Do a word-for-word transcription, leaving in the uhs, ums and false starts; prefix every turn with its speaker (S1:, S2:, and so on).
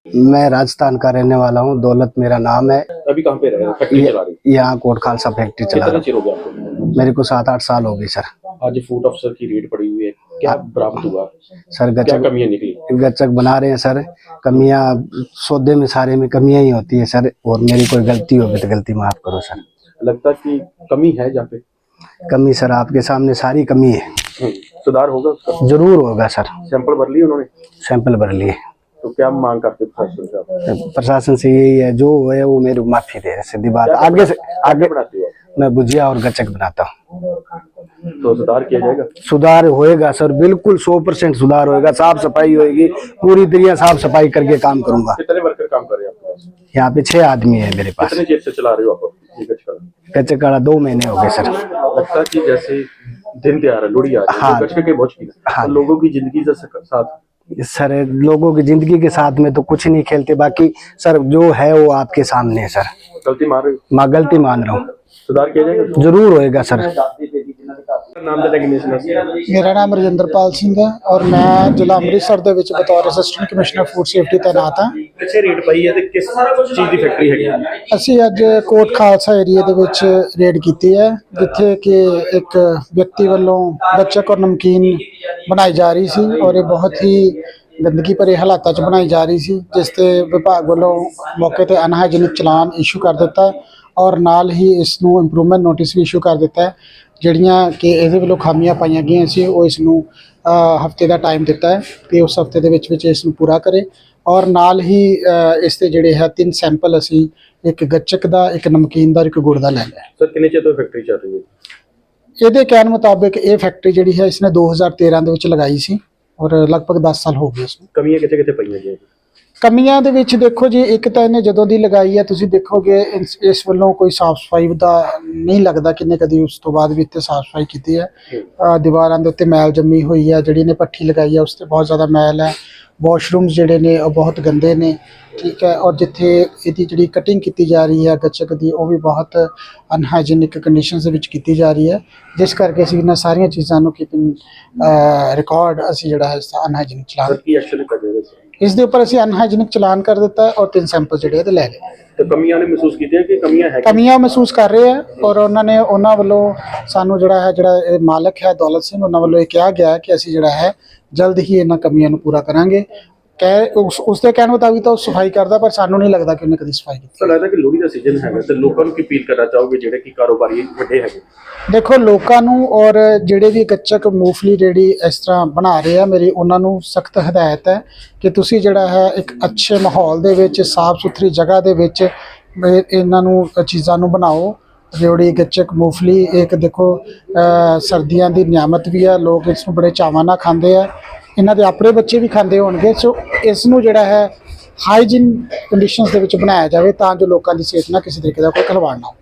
S1: मैं राजस्थान का रहने वाला हूँ, दौलत मेरा नाम है।
S2: अभी कहाँ पे रह रहे हैं? फैक्ट्री चला रही है?
S1: यहाँ कोट खालसा फैक्ट्री चला
S2: कितना
S1: रहा
S2: चिर हो गया आपको?
S1: हूँ। मेरे को सात आठ साल हो गए सर।
S2: आज फूड अफसर की रेड पड़ी हुई है, क्या बरामद हुआ?
S1: सर
S2: क्या
S1: गचक
S2: कमियां निकली?
S1: गचक बना रहे हैं सर। कमियां सौदे में सारे में कमियां ही होती है सर, और मेरी कोई गलती होगी तो गलती माफ करो सर।
S2: लगता कि कमी है जहाँ पे?
S1: कमी सर आपके सामने सारी कमी है।
S2: हम्म, सुधार होगा उसका?
S1: जरूर होगा सर।
S2: सैंपल भर लिए उन्होंने?
S1: सैंपल भर लिए।
S2: तो क्या मांग करते प्रशासन से आप?
S1: प्रशासन से यही है, जो है वो मेरी माफी दे, सीधी बात।
S2: क्या
S1: आगे से आगे
S2: बनाते हो?
S1: मैं भुजिया और गचक बनाता हूँ।
S2: तो सुधार किया जाएगा?
S1: सुधार होएगा सर, बिल्कुल सौ परसेंट सुधार होएगा। साफ सफाई होएगी, पूरी तरह साफ सफाई करके काम करूंगा।
S2: कितने वर्कर काम कर रहे हैं आपके पास?
S1: यहाँ पे छह आदमी है मेरे पास।
S2: कितने चेर से चला रहे हो आप ये गचका?
S1: गचक काड़ा दो महीने हो गए सर।
S2: लगता कि जैसे दिन त्योहार है, लोहड़ी आ रही है,
S1: हाँ।
S2: तो गचके के बहुत शौकीन है।
S1: हाँ।
S2: तो लोगों की जिंदगी के साथ
S1: सर लोगों की जिंदगी के साथ में तो कुछ नहीं खेलते, बाकी सर जो है वो आपके सामने है सर।
S2: गलती मान रहे हो?
S1: मैं गलती मान रहा हूँ।
S2: सुधार किया जाएगा?
S1: जरूर होएगा सर।
S2: नाम ਦਾ ਡੈਗਨੇਸ਼ਨ ਹੈ?
S3: मेरा नाम रजिंदरपाल सिंह है और मैं जिला ਅੰਮ੍ਰਿਤਸਰ ਦੇ ਵਿੱਚ ਬਤੌਰ ਅਸਿਸਟੈਂਟ ਕਮਿਸ਼ਨਰ ਫੂਡ ਸੇਫਟੀ ਤੈਨਾਤ ਹਾਂ।
S2: ਪਿੱਛੇ ਰੇਡ ਪਈ ਹੈ ਤੇ ਕਿਸ ਚੀਜ਼ ਦੀ ਫੈਕਟਰੀ ਹੈਗੀ?
S3: ਅਸੀਂ ਅੱਜ ਕੋਟ ਖਾਲਸਾ ਏਰੀਆ ਦੇ ਵਿੱਚ ਰੇਡ ਕੀਤੀ ਹੈ, ਜਿੱਥੇ ਕਿ ਇੱਕ ਵਿਅਕਤੀ ਵੱਲੋਂ ਗੱਚਕ ਔਰ ਨਮਕੀਨ ਬਣਾਈ ਜਾ ਰਹੀ ਸੀ ਔਰ ਇਹ ਬਹੁਤ ਹੀ ਗੰਦਗੀ ਭਰੇ ਹਾਲਾਤਾਂ 'ਚ ਬਣਾਈ ਜਾ ਰਹੀ ਸੀ, ਜਿਸ ਤੇ ਵਿਭਾਗ ਵੱਲੋਂ ਮੌਕੇ ਤੇ ਅਨਹਾਈਜੀਨਿਕ ਚਲਾਨ ਇਸ਼ੂ ਕਰ ਦਿੱਤਾ ਔਰ ਨਾਲ ਹੀ ਇਸ ਨੂੰ ਇੰਪਰੂਵਮੈਂਟ ਨੋਟਿਸ ਵੀ ਇਸ਼ੂ ਕਰ ਦਿੱਤਾ ਹੈ। ਜਿਹੜੀਆਂ ਕਿ ਇਹਦੇ ਵੱਲੋਂ ਖਾਮੀਆਂ ਪਾਈਆਂ ਗਈਆਂ ਸੀ ਉਹ ਇਸ ਨੂੰ ਹਫਤੇ ਦਾ ਟਾਈਮ ਦਿੱਤਾ ਹੈ ਕਿ ਉਸ ਹਫਤੇ ਦੇ ਵਿੱਚ ਵਿੱਚ ਇਸ ਨੂੰ ਪੂਰਾ ਕਰੇ ਔਰ ਨਾਲ ਹੀ ਇਸ ਦੇ ਜਿਹੜੇ ਹੈ ਤਿੰਨ ਸੈਂਪਲ ਅਸੀਂ ਇੱਕ ਗੱਚਕ ਦਾ, ਇੱਕ ਨਮਕੀਨ ਦਾ, ਇੱਕ ਗੁੜ ਦਾ ਲੈ ਲਿਆ।
S2: ਸਰ ਕਿੰਨੇ ਚਿਰ ਤੋਂ ਫੈਕਟਰੀ ਚੱਲ ਰਹੀ ਹੈ?
S3: ਇਹਦੇ ਕਹਿਣ ਮੁਤਾਬਿਕ ਇਹ ਫੈਕਟਰੀ ਜਿਹੜੀ ਹੈ ਇਸਨੇ ਦੋ ਹਜ਼ਾਰ ਤੇਰਾਂ ਦੇ ਵਿੱਚ ਲਗਾਈ ਸੀ ਔਰ ਲਗਭਗ ਦਸ ਸਾਲ ਹੋ ਗਏ ਇਸ ਨੂੰ।
S2: ਕਮੀਆਂ ਕਿੱਥੇ ਕਿੱਥੇ ਪਈਆਂ ਜੀ?
S3: ਕਮੀਆਂ ਦੇ ਵਿੱਚ ਦੇਖੋ ਜੀ, ਇੱਕ ਤਾਂ ਇਹਨੇ ਜਦੋਂ ਦੀ ਲਗਾਈ ਹੈ ਤੁਸੀਂ ਦੇਖੋਗੇ ਇਸ ਇਸ ਵੱਲੋਂ ਕੋਈ ਸਾਫ਼ ਸਫਾਈ ਦਾ ਨਹੀਂ ਲੱਗਦਾ ਕਿੰਨੇ ਕਦੀ ਉਸ ਤੋਂ ਬਾਅਦ ਵੀ ਇੱਥੇ ਸਾਫ਼ ਸਫਾਈ ਕੀਤੀ ਹੈ। ਅ, ਦੀਵਾਰਾਂ ਦੇ ਉੱਤੇ ਮੈਲ ਜੰਮੀ ਹੋਈ ਹੈ, ਜਿਹੜੀ ਨੇ ਭੱਠੀ ਲਗਾਈ ਹੈ ਉਸ 'ਤੇ ਬਹੁਤ ਜ਼ਿਆਦਾ ਮੈਲ ਹੈ। ਵਾਸ਼ਰੂਮਸ ਜਿਹੜੇ ਨੇ ਉਹ ਬਹੁਤ ਗੰਦੇ ਨੇ, ਠੀਕ ਹੈ। ਔਰ ਜਿੱਥੇ ਇਹਦੀ ਜਿਹੜੀ ਕਟਿੰਗ ਕੀਤੀ ਜਾ ਰਹੀ ਹੈ ਗੱਚਕ ਦੀ, ਉਹ ਵੀ ਬਹੁਤ ਅਨਹਾਈਜੀਨਿਕ ਕੰਡੀਸ਼ਨਸ ਦੇ ਵਿੱਚ ਕੀਤੀ ਜਾ ਰਹੀ ਹੈ, ਜਿਸ ਕਰਕੇ ਅਸੀਂ ਇਹਨਾਂ ਸਾਰੀਆਂ ਚੀਜ਼ਾਂ ਨੂੰ ਕੀਪਿੰਗ ਰਿਕਾਰਡ ਅਸੀਂ ਜਿਹੜਾ ਹੈ ਅਨਹਾਈਜੀਨਿਕ ਚਲਾਨ
S2: ਕੀ ਐਕਸ਼ਨ ਲਿਆ ਜਾਏਗਾ
S3: ਇਸ ਦੇ ਉੱਪਰ ਅਸੀਂ ਅਨਹਾਈਜੀਨਿਕ ਚਲਾਨ ਕਰ ਦਿੱਤਾ ਔਰ ਤਿੰਨ ਸੈਂਪਲ ਜਿਹੜੇ ਇਹਦੇ ਲੈ ਲਏ।
S2: ਤੇ ਕਮੀਆਂ ਨੇ ਮਹਿਸੂਸ ਕੀਤੀਆਂ ਕਿ ਕਮੀਆਂ ਹੈ?
S3: ਕਮੀਆਂ ਮਹਿਸੂਸ ਕਰ ਰਹੇ ਆ ਔਰ ਉਹਨਾਂ ਨੇ ਉਹਨਾਂ ਵੱਲੋਂ ਸਾਨੂੰ ਜਿਹੜਾ ਹੈ ਜਿਹੜਾ ਇਹ ਮਾਲਕ ਹੈ ਦੌਲਤ ਸਿੰਘ, ਉਹਨਾਂ ਵੱਲੋਂ ਇਹ ਕਿਹਾ ਗਿਆ ਹੈ ਕਿ ਅਸੀਂ ਜਿਹੜਾ ਹੈ ਜਲਦ ਹੀ ਇਹਨਾਂ ਕਮੀਆਂ ਨੂੰ ਪੂਰਾ ਕਰਾਂਗੇ। ਕਹਿ ਉਸ ਉਸਦੇ ਕਹਿਣ ਮੁਤਾਬਿਕ ਤਾਂ ਉਹ ਸਫਾਈ ਕਰਦਾ, ਪਰ ਸਾਨੂੰ ਨਹੀਂ ਲੱਗਦਾ ਕਿ ਉਹਨੇ ਕਦੀ ਸਫਾਈ ਕੀਤੀ।
S2: ਤਾਂ ਲੱਗਦਾ ਕਿ ਲੋਹੜੀ ਦਾ ਸੀਜ਼ਨ ਹੈਗਾ ਤੇ ਲੋਕਾਂ ਨੂੰ ਕੀ ਅਪੀਲ ਕਰਨਾ ਚਾਹੋਗੇ ਜਿਹੜੇ ਕਿ ਕਾਰੋਬਾਰੀ ਵੱਡੇ ਹੈਗੇ?
S3: ਦੇਖੋ ਲੋਕਾਂ ਨੂੰ ਔਰ ਜਿਹੜੇ ਵੀ ਗੱਚਕ ਮੂੰਗਫਲੀ ਰੇਹੜੀ ਇਸ ਤਰ੍ਹਾਂ ਬਣਾ ਰਹੇ ਆ, ਮੇਰੀ ਉਹਨਾਂ ਨੂੰ ਸਖਤ ਹਦਾਇਤ ਹੈ ਕਿ ਤੁਸੀਂ ਜਿਹੜਾ ਹੈ ਇੱਕ ਅੱਛੇ ਮਾਹੌਲ ਦੇ ਵਿੱਚ, ਸਾਫ਼ ਸੁਥਰੀ ਜਗ੍ਹਾ ਦੇ ਵਿੱਚ ਇਹ- ਇਹਨਾਂ ਨੂੰ ਚੀਜ਼ਾਂ ਨੂੰ ਬਣਾਓ। ਰੇਵੜੀ, ਗੱਚਕ, ਮੂੰਗਫਲੀ ਇੱਕ ਦੇਖੋ ਸਰਦੀਆਂ ਦੀ ਨਿਆਮਤ ਵੀ ਹੈ, ਲੋਕ ਇਸ ਨੂੰ ਬੜੇ ਚਾਵਾਂ ਨਾਲ ਖਾਂਦੇ ਆ, ਇਹਨਾਂ ਦੇ ਆਪਣੇ ਬੱਚੇ ਵੀ ਖਾਂਦੇ ਹੋਣਗੇ। ਸੋ ਇਸ ਨੂੰ ਜਿਹੜਾ ਹੈ ਹਾਈਜੀਨ ਕੰਡੀਸ਼ਨਸ ਦੇ ਵਿੱਚ ਬਣਾਇਆ ਜਾਵੇ ਤਾਂ ਜੋ ਲੋਕਾਂ ਦੀ ਸਿਹਤ ਨਾਲ ਕਿਸੇ ਤਰੀਕੇ ਦਾ ਕੋਈ ਖਿਲਵਾੜ ਨਾ ਹੋ।